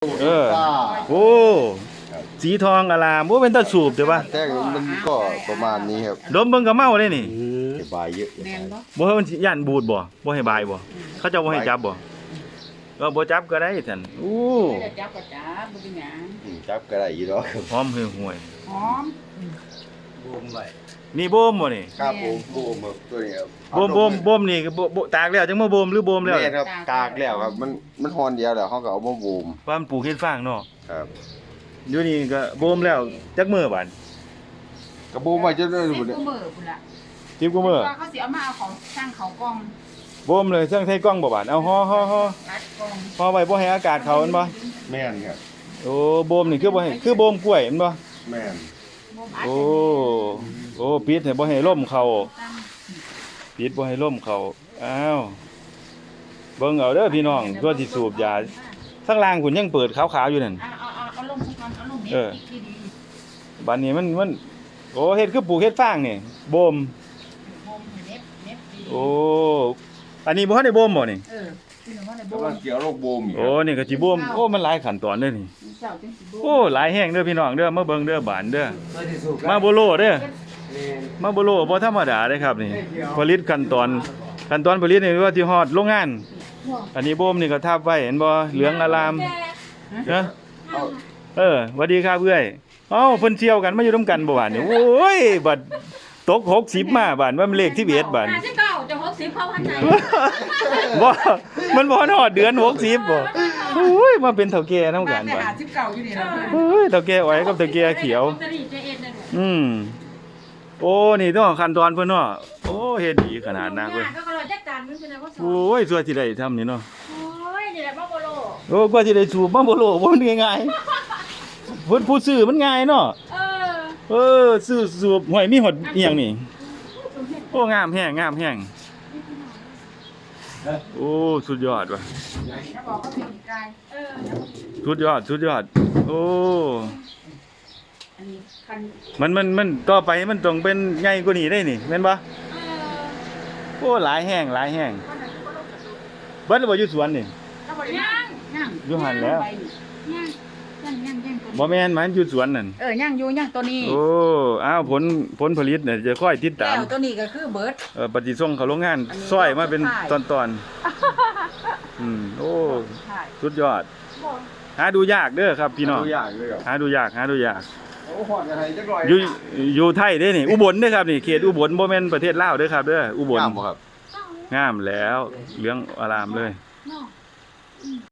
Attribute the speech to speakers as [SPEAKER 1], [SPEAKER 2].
[SPEAKER 1] โอ้สีทองอลามโอ้เป็นตาสูบใช่ปะ
[SPEAKER 2] แต่มันก็ประมาณนี้ครับ
[SPEAKER 1] ดมเบิ่งก็เมาเลยนี่
[SPEAKER 2] บายเยอะ
[SPEAKER 1] บ่ให้มันย่านบูดบ่ให้บายบ่เขาจะบ่ให้จับบ่ก็บ่จับก็ได้ท่านโอ้
[SPEAKER 3] จับก็จับบ่เป็นหยัง
[SPEAKER 2] จับก็ได้อยู่ดอก
[SPEAKER 1] หอมหือห่วย
[SPEAKER 3] หอม
[SPEAKER 2] บูมไว้
[SPEAKER 1] นี่บ่มบ่นี่
[SPEAKER 2] ครับผมบูมตัวนี้ครับ
[SPEAKER 1] บ่มนี่บ่ตากแล้วจังมาบ่มหรือบ่มแล้ว
[SPEAKER 2] แม่ครับตากแล้วครับมันฮอนเดียวแล้วเขาก็เอามาบูม
[SPEAKER 1] ว่ามันปลูกเฮ็ดฟางเนาะ
[SPEAKER 2] ครับ
[SPEAKER 1] อยู่นี่ก็บ่มแล้วจักมื้อบัด
[SPEAKER 2] ก็บูมไว้จนได้
[SPEAKER 3] 10
[SPEAKER 2] พุ่น
[SPEAKER 3] ล่ะ
[SPEAKER 1] 10กว่ามื้อ
[SPEAKER 3] เขาสิเอามาเอาของช่างเขากล้อง
[SPEAKER 1] บ่มเลยเชิงใส่กล้องบ่บาดเอาห่อไว้บ่ให้อากาศเข้ามันบ่
[SPEAKER 2] แม่นครับ
[SPEAKER 1] โอ้บ่มนี่คือบ่ให้คือบ่มกล้วยมันบ่
[SPEAKER 2] แม่น
[SPEAKER 1] โอ้ปิดให้บ่ให้ลมเข้าปิดบ่ให้ลมเข้าอ้าวเบิ่งเอาเด้อพี่น้องตัวที่สูบยาข้างล่างพุ่นยังเปิดขาวๆอยู่นั่น
[SPEAKER 3] เอาลงซะก่อนเอาลงเน็ตที่ดี
[SPEAKER 1] บัดนี้มันโอ้เฮ็ดคือปลูกเฮ็ดฟางนี่บ่มโอ้อันนี้บ่ทันได้บ่มบ่นี่
[SPEAKER 2] กำลังเกี่ยวโรคบูมอยู่
[SPEAKER 1] โอ้นี่ก็สิบ่มโอ้มันหลายขั้นตอนเด้อนี่โอ้หลายแฮงเด้อพี่น้องเด้อมาเบิ่งเด้อบานเด้อมาบ่โลเด้อมาบ่โลบ่ธรรมดาเด้ครับนี่ผลิตขั้นตอนผลิตนี่ว่าที่ฮอดโรงงานอันนี้บ่มนี่ก็ทับไว้เห็นบ่เหลืองอลามนะสวัสดีครับเอื้อยเอ้าเพิ่นเที่ยวกันมาอยู่นำกันบ่บาดนี่โอ้ยบัดตก60มาบาดว่ามันเลขที่11บาด
[SPEAKER 3] 59จะ60เข้าพันไหน
[SPEAKER 1] บ่มันบ่ฮอดเดือน60บ่โอ้ยมาเป็นเฒ่าแก่นำกันบาด
[SPEAKER 3] 59อยู่นี่ล่ะ
[SPEAKER 1] โอ้ยเฒ่าแก่อ้อยกับเฒ่าแก่เขียวโอ้นี่ต้องขั้นตอนเพิ่นเนาะโอ้เฮ็ดดีขนาดนั้นเว้ย
[SPEAKER 3] ก็เราจัดการมันเป็นอะไรก็สอน
[SPEAKER 1] โอ้ยสวยสิได้ทำนี่เนาะ
[SPEAKER 3] โอ้ยนี่แหละบ่โล
[SPEAKER 1] โอ้กว่าสิได้สูบบ่โลบ่มันง่ายๆเพิ่นผู้ซื้อมันง่ายเนาะซื้อสูบห้วยมีหดอีหยังนี่โอ้งามแฮงโอ้สุดยอดว่ะสุดยอดโอ้มันต่อไปมันต้องเป็นใหญ่กว่านี้ได้นี่แม่นบ่โอ้หลายแห้งเบิดแล้วบ่อยู่สวนนี่
[SPEAKER 3] ยัง
[SPEAKER 1] อยู่หั่นแล้วบ่แม่นมันอยู่สวนนั่น
[SPEAKER 3] ยังอยู่ตัวนี้
[SPEAKER 1] โอ้อ้าวผลผลิตเนี่ยจะค่อยติดตาม
[SPEAKER 3] แล้วตัวนี้ก็คือเบิด
[SPEAKER 1] ปฏิส่งเข้าโรงงานซอยมาเป็นตอนโอ้สุดยอดหาดูยากเด้อครับพี่น้องหาดูยาก
[SPEAKER 2] โอ้ฮอดกันให้จักร้อย
[SPEAKER 1] อยู่ไทยเด้นี่อุบลเด้อครับนี่เขตอุบลบ่แม่นประเทศลาวเด้อครับเด้ออุบล
[SPEAKER 2] งามบ่ครับ
[SPEAKER 1] งามแล้วเหลืองอารามเลย